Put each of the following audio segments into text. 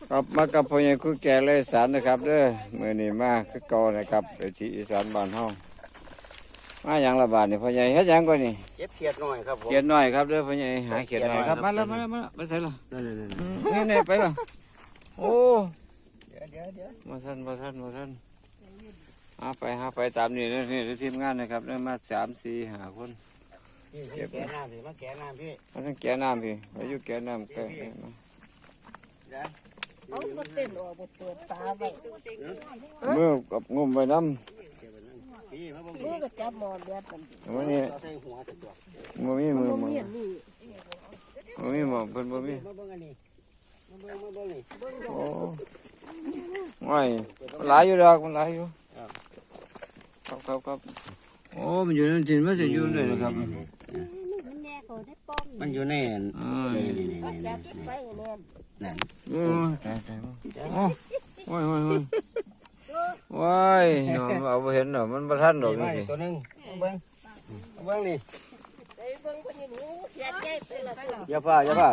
ครับมากับพ่อใหญ่คุยแก่เลยสารนะครับเด้อมื้อนี้มาคือเก่านะครับไปที่อีสานบ้านเฮามาหยังละบาดนี่พ่อใหญ่เฮ็ดหยังก่อนนี่เก็บเขียดหน่อยครับผมเขียนหน่อยครับเด้อพ่อใหญ่หาเขียนหน่อยครับมาแล้วไปใส่ละนี่ไปละโอ้เดี๋ยวมาท่านหาไปตามนี่นี่ทีมงานนะครับเด้อมา3 4 5คนเก็บแกะน้ำพี่มาแกะน้ำพี่มาทั้งแก่น้ำพี่อายุแก่น้ำใกล้เอามาเต้นออกมาเปิดตาไปมือกับงุ่มไปน้ำมือก็จับหมอนเดือดมันมื้อนี้บ่มีมือเห็นนี่บ่มีหมอเพิ่นบ่มีมาเบิ่งอันนี้มาเบิ่งนี่โอ้ไม่หลายอยู่ดอกมันหลายอยู่ครับโอ้มันอยู่นั่นจริงมันจะอยู่เลยนะครับมันอยู่ในนี่จับไปแน่นนั่นโอ้โอ้ว้ายเอาไปเห็นหรอมันประทันดอกนี่สิตัวนึงเบิ่งนี่ไอ้เบิ่งคนนี้หนูเสียใจไปละอย่าฟ้าเสีย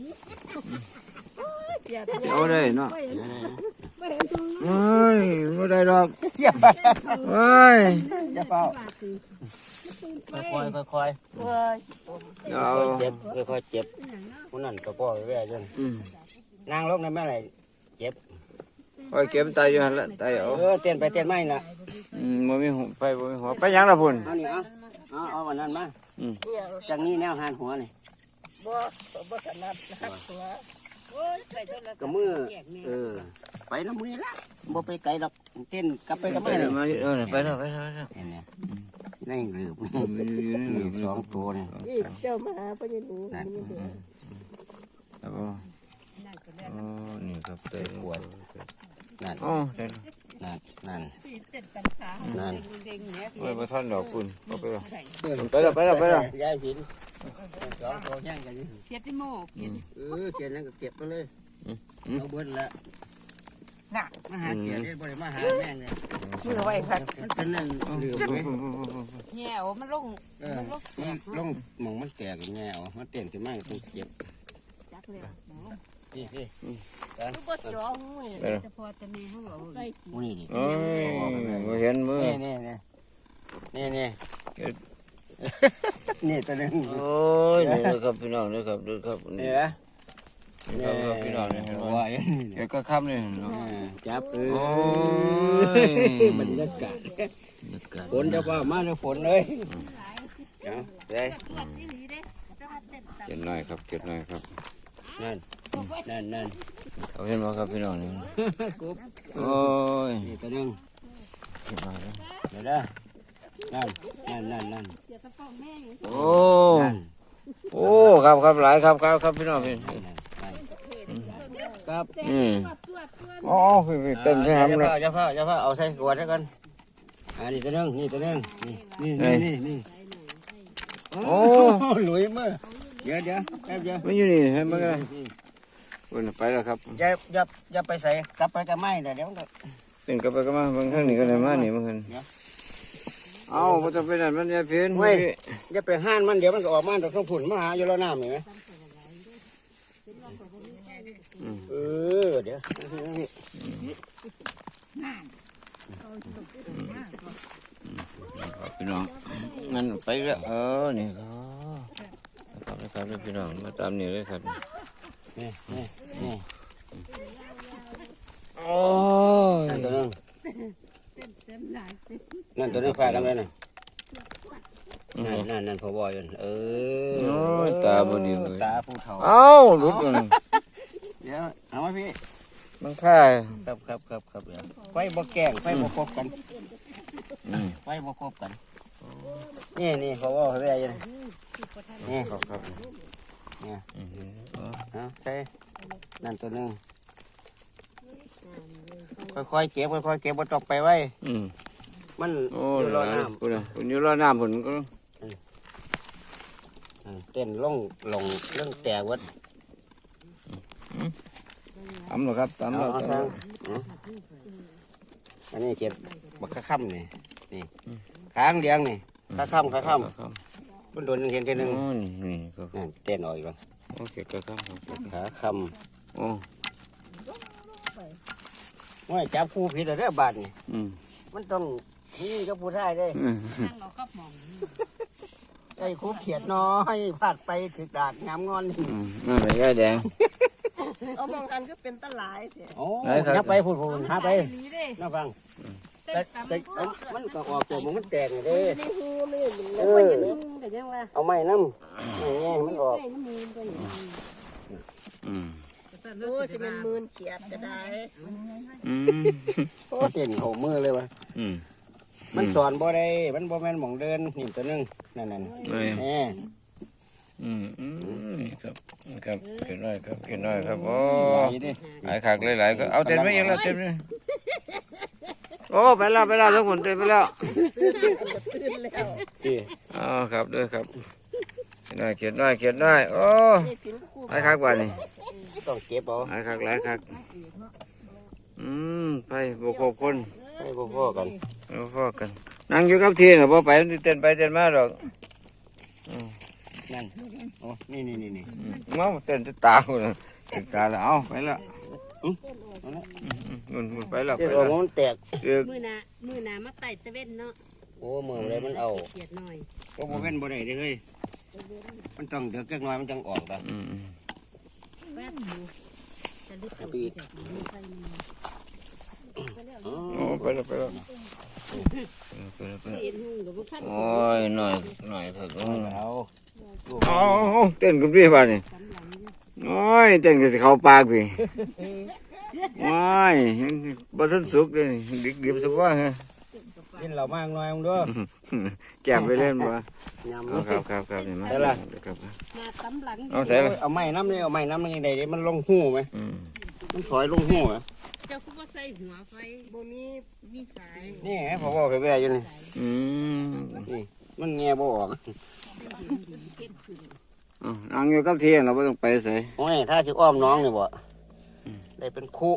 ใจเอาได้เนาะเฮ้ยไม่ได้ดอกอย่าฟ้าเฮ้ยอย่าฟ้าค่อยเว้ยเอาเจ็บค่อยเจ็บคนนั้นก็พ่อแว่จนนางลงในแม่ไหนเจ็บไปเก็บตายอยู่หันละตายเอาเต้นไปเต้นไม่น่ะบ่มีหัวไปบ่มีหัวไปยังละพุ่นเอานี่เอาวันนั้นมาจากนี้แนวหานหัวนี่บ่ถนัดนักหัวก็มือไปน้ำมือละบ่ไปไกลดอกเต้นกลับไปกับไปแม่เลเลย ยมาไปแล้วนี่นั่งหลืบสองตัวนี่นี่เจ้ามาหาพ่อใหญ่หนูนั่นนี่เด้อครับโอ้นี่ครับเตะปวดนั่นโอ้เตะนั่นไปประทันดอกคุณก็ไปแล้วยายผินสองตัวแย่งกันนี่เขียดที่โม่เกียนนั่นก็เก็บไปเลยเอาเบิ้ลละน่ะมาหาเกียนได้บ่ได้มาหาแม่งเลยชื่อไว้ค่ะมันเป็นนั่นเหลือบไหมแง่มันลงลงมองมันแตกแง่เอามันเต้นขึ้นมาต้องเก็บจักเลยนี่ลูกบ่จ้องเว้ยจะพอจะมีเขาบอกใส่มูนี่โอ้ยบ่เห็นมือนี่ตัวนึงโอ้ยนี่ครับพี่น้องนี่ครับนี่ครับนี่นี่ครับพี่น้องนี่ว่าเดี๋ยวก็ค่ำนี่จับโอ้ยบรรยากาศฝนจะว่ามาเลยฝนเลยได้เก็บหน่อยครับเก็บหน่อยครับนั่นเอาเห็นบ่ครับพี่น้องนี่โอ้ยนี่ตัวนึงเก็บหน่อยเดี๋ยวนะนั่นโอ้โอ้ครับหลายครับพี่น้องพี่ครับอ๋อพี่เต้นใช่ไหมล่ะอย่าฟ้าเอาใส่กวดซะกันนี่ตัวนึงนี่โอ้หลุยมือเดี๋ยวแป๊บเดียวไม่อยู่นี่เห็นมั้ยกันวันไปแล้วครับอย่าไปใส่กลับไปกับไม้เดี๋ยวเต้นกลับไปก็มาบางครั้งนี่ก็เลยมานี่บางครั้งเอาบ่ต้องไปนั่นมันอย่าเพี้ยนอย่าไปห้านมันเดี๋ยวมันก็ออกมาจากข้างผุนมาหาอยู่แล้วน้ำเห็นไหมเดี๋ยวพี่น้องงั้นไปแล้วนี่ครับพี่น้องมาตามนี่เลยครับนี่โอ้ยนั่นตัวนึงพากันเลยนั่นพอบอยตาบดีเลยตาผู้เฒ่าเอ้าหลุดมันเดี๋ยวเอามาพี่มันค่าครับเดี๋ยวไฟบ่แกงไฟบ่ครบกันไฟบ่ครบกันนี่พอบอยเลยนี่ครับใช่นั่นตัวนึงค่อยๆเก็บบ่ตกไปไว้มันโอ้อยู่รรออน้น้ำคุณอยู่รอน้ำผมก็เต้นลงเรื่องแตกวัดตำหรอครับตำหรออันนี้เก็บบักข้ามนี่ค้างเลี้ยงนี่ข้าข้ามมันโดนเห็นทีนึงนี่ครับเต้นออกอีกแล้วโอเคก็ครับขาข้ามโอ้ว่าจับคู่ผิดแล้วเด้อบาดนี่อืมมันต้องนี่กับผู้ชายเด้อืมนั่งเราก็มองไอ้คู่เขียดน้อยพลาดไปถึกดาดงามงอนนี่นั่นแหละยายแดงเอามองหันก็เป็นตะหลายเถอะโอ้ไหนครับยับไปพูดหาไปหนีเด้น่าฟังเต้แต่นตำมันก็ออกตัวมันแตกเด้นี่หูนี่มันเอแล้วอก็ยังหูแต่ยังว่าเอาไม้น้ำแง่มันออกไอ้น้ำมูลก็อย่างนี้อืมโอ้สิมันมืนเขียดก็ได้อืมเต้นโหมือเลยวะอืมมันสอนบ่ได้มันบ่แม่นหม่องเดินนี่ตัวหนึงนั่นเอ้ยแหม่อืมครับครับเขียนน้อยครับเขียนน้อยครับโอ้ใหญ่ดิหลายคักหลายๆก็เอาเต็มไปยังแล้วเต็มเลยโอ้ไปแล้วทุกคนเต็มไปแล้วตื่นแล้วดิอ๋อครับด้วยครับเขียนน้อยโอ้นี่ผิวคู่หลายคักกว่านี่ต้องเก็บเอาหลายคักไปบุกหกคนให้พ่อๆกันเอาพ่อกันนั่งอยู่กับที่น่ะพอไปเต้นไปเต้นมาดอกนั่นโอ้นี่มาเต้นจะตาคนน่ะติดตาแล้วเอาไปแล้วมันไปแล้วเดี๋ไปยวแล้วมันแตกเดือกมือหนามาไต่ตะเว้นเนาะโอ้มือเลยมันเอาเกียดหน่อยก็บ่เป็นบ่ได้เด้อเฮ้ยมันต้องเดือกจักหน่อยมันจังออกตาแป๊บอยู่จะลึกเอาไปอีกโอ้ไปแล้วไปแล้วเห็นหุ่งกับพวกท่านโอ้ยหน่อยครับเอาเอาเต้นกับพี่บ้านนี่สำหลังโอ้ยเต้นกับเขาปากพี่โอ้ยบ่ทันสุกเลยดิบสักว่าฮะกินเหล้ามากหน่อยมึงด้วยแก้มไปเล่นบ่ยำเอาครับนี่มาได้ละครับมาสำหลังเอาใส่ไปเอาไม้น้ำนี่เอาไม้น้ำมันยังไงเด้มันลงหูไหมมันถอยลงหูไหมเจ้าคุก็ใส่หัวไฟบ่มีสายนี่ไงพอบอกแว่ๆอยู่นี่ นี่มันแง่บ่ออกนั่งอยู่กับที่เราไม่ต้องไปใส่โอ้ยถ้าสิอ้อมน้องนี่บ่ได้เป็นคู่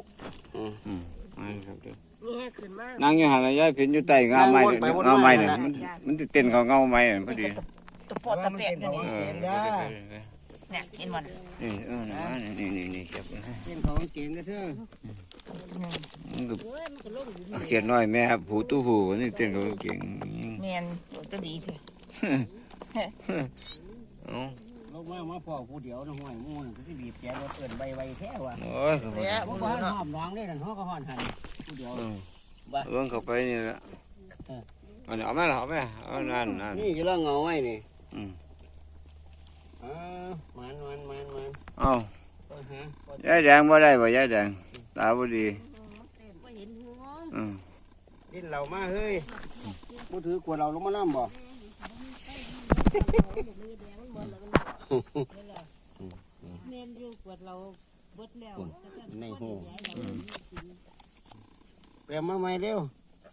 นี่ให้ขึ้นมานั่งอยู่หันระยะผินอยู่ใต้เงาไม้เงาไม้เนี่ยมันจะเต้นเขาเงาไม้พอดีตะปอดตะเปียกอยู่นี่ เนี่ยเห็นมันนี่เก็บเต้นของเก่งก็เถอะมันก็โอ้ยมันก็ลงอยู่เขียนน้อยแม่ผู้ตู้ผู้นี่เต้นเขาเก่งแม่นตัวดีเถอะลงมาพ่อผู้เดียวนะห้อยมูนก็สิบีบแกรถเอิ้นใบไวแท้ว่ะโอ้ยเนี่ยบ่บ่บ่เนาะหอมน้องนี่นั่นฮอก็ฮ้อนหันผู้เดียวเบิ่งเข้าไปนี่ละเอาแม่เอาแม่เอานั่นนี่จะล่างเงาไว้นี่อืมมันเอาต้นฮะยายแดงบ่ได้บ่ยายแดงตาบ่ดีบ่เห็นหัวดินเหล่ามาเฮ้ยบ่ถือขวดเราลงมาน้ำบ่แม่นอยู่ปวดเราเบิดแล้วในหูเปลี่ยนมาใหม่เร็ว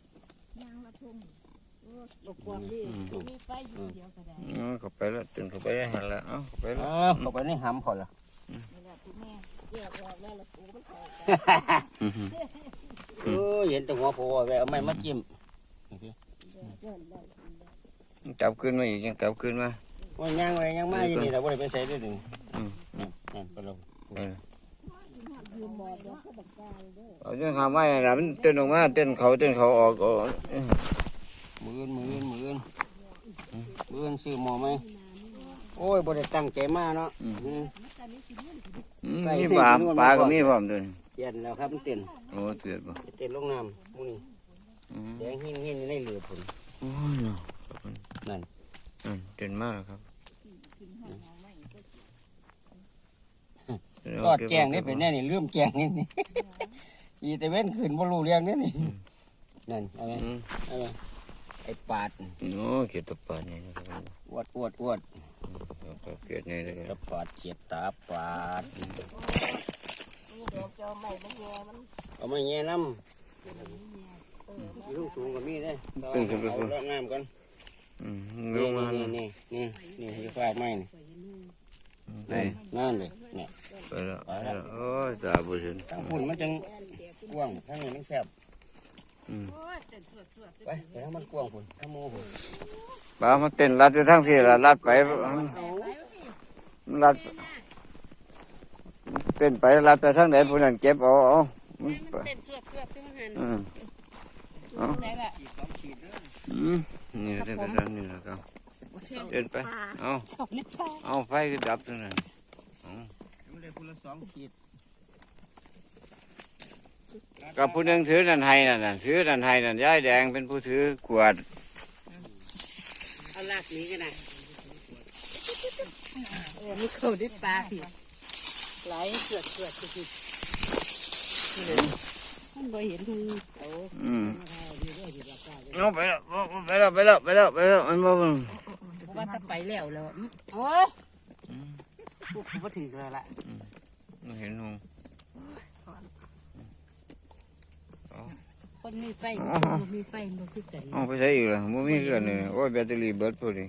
บ่กวางนี่มีไฟอยู่เดียวก็ได้เข้าไปแล้วเต้นเข้าไปหันแล้วเอาเข้าไปแล้วเข้าไปในหำเขาละ เห็นแต่หัวโผล่ไว้เอาไม้มาจิ้มจับขึ้นมาอีกยังจับขึ้นมาว่าย่างไว้ย่างมาอยู่นี่เราบ่ได้ไปใส่ด้วยดึง นั่นไปลงเอาจังหาไม้น่ะมันเต้นออกมาเต้นเขาออกมือนซื้อหมอไหมโอ้ยบ่ได้ตั้งใจมาเนาะมีปลาก็มีพร้อมด้วยเปลี่ยนแล้วครับมันเต้นโอ้เตือนบ่เต้นลงน้ำมูนี่แดงหินในเหลือผลโอ้ยเนาะนั่นเต้นมากครับรอดแกงนี่เป็นแน่นี่ลืมแกงนี่นี่อีแต่เว้นขึ้นบ่รู้เรื่องนี่นี่นั่นอะไรไอ้ปาดโอ้เกียรติปาดนี่นะครับอวดเกียรตินี่เลยตะปาดเสียบตาปาดนี่เดี๋ยวจะเอาไม้มาแย่มันเอามาแง่น้ำลูกสูงกว่ามีได้เอาละน้ำกันลงมานี่จะฟาดไม้นี่ไปนั่นเลยเนี่ยไปแล้วโอ้ยจ่าบุญทั้งพุ่นมันจังกว้างทั้งนี้มันแซ่บโอ้ยเต้นสวดไปทั้งมันกว้างพุ่นทั้งโม่พุ่นบ้ามันเต้นรัดไปทั้งพี่ละรัดไปรัดเต้นไปรัดไปทั้งไหนผู้นั้นเก็บเอาเต้นสวดกือบจะมาหันเอาได้ละนี่เดินไปทางนี้แล้วก็เดินไปเอาไฟก็ดับตรงนั้นมันได้คนละ2 ขีดกับผู้หนึงถือนันไห้นั่นถือนันไห้นั่นยายแดงเป็นผู้ถือขวดเอาลากนี้กันนะมันเข้าได้ปลาผิดไหลเกิดคือมันบ่เห็นหูเอาไปแล้วมันบ่ว่าจะไปแล้วโอ้ยพูดว่าถึงแล้วล่ะเห็นหงคนมีไฟมีไฟมันคือกันเอาไปใช้อีกแล้วบ่มีเกินเลยโอ้ยแบตเตอรี่เบิดพอดี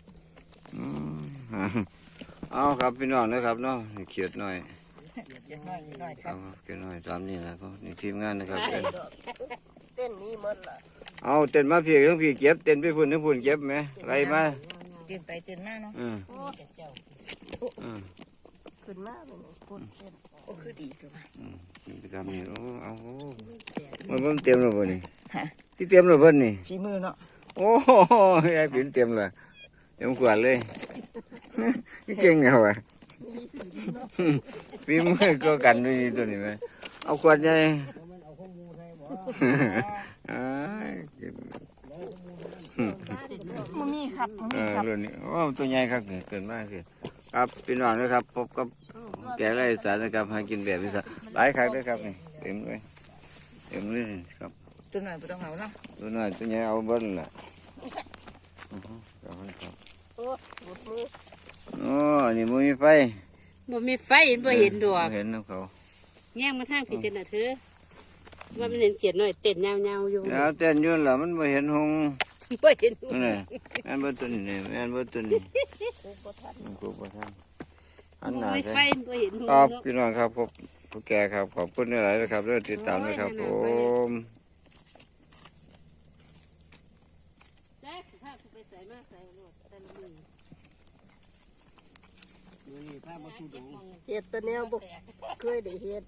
เอาครับพี่น้องนะครับเนาะเขียดหน่อยเจ็ดน้อยคเอารับเขียดหน่อยตามนี้นะก็นี่ทีมงานนะครับเต้นนี้หมดละเอาเต้นมาเพียงทั้งพี่เก็บเต้นไปพุ่นทั้งพุ่นเก็บไหมไรมาเต้นไปเต้นมาเนาะ ขึ้นมาเป็นคนเต้นโอ้คือดีตัวทำนี่เอามันเต็มแล้วบ่นี่ที่เต็มแล้วเพิ่นนี่ฝีมือเนาะโอ้ยายปิ่นเต็มเลยเต็มขวดเลยนี่เก่งเหรอวะฝีมือก็กันด้วยนี่ตัวนี้ไหมเอาขวดใหญ่มันมีครับมันมีครับรุ่นนี้โอ้ตัวใหญ่ครับเนี่ยเกินมากคือครับพี่น้องนะครับพบกับแกงไร่อีสานนะครับหากินแบบอีสานหลายครั้งด้วยครับนี่เต็มเลยครับตัวหน่อยไม่ต้องเอาเนาะตัวน้อยตัวใหญ่เอาเบิ้ลแหละโอ้นี่มันมีไฟบ่มีไฟบ่เห็นดอกเห็นน้ำเขาแย่งมาทางผิดกันนะเธอว่ามันเห็นเขียนหน่อยเต้นยาวๆอยู่แล้วเต้นอยืนแล้วมันไม่เห็นหงบ่เห็นนี่แม่นเบิ้ตัวนี้แม่นเบิ้ตัวนี้ครูประธานอันหนาบ่มีใช่ไฟบ่เห็นหูครับเนาะพี่น้องครับพบผู้แก่ครับขอบคุณหลายๆนะครับเรื่องติดตามนะครับผมแจ๊คถ้ากูไปใส่มาใส่โลดแต่ละมือเห็ดตัวเนี้ยบุกเคยได้เห็ด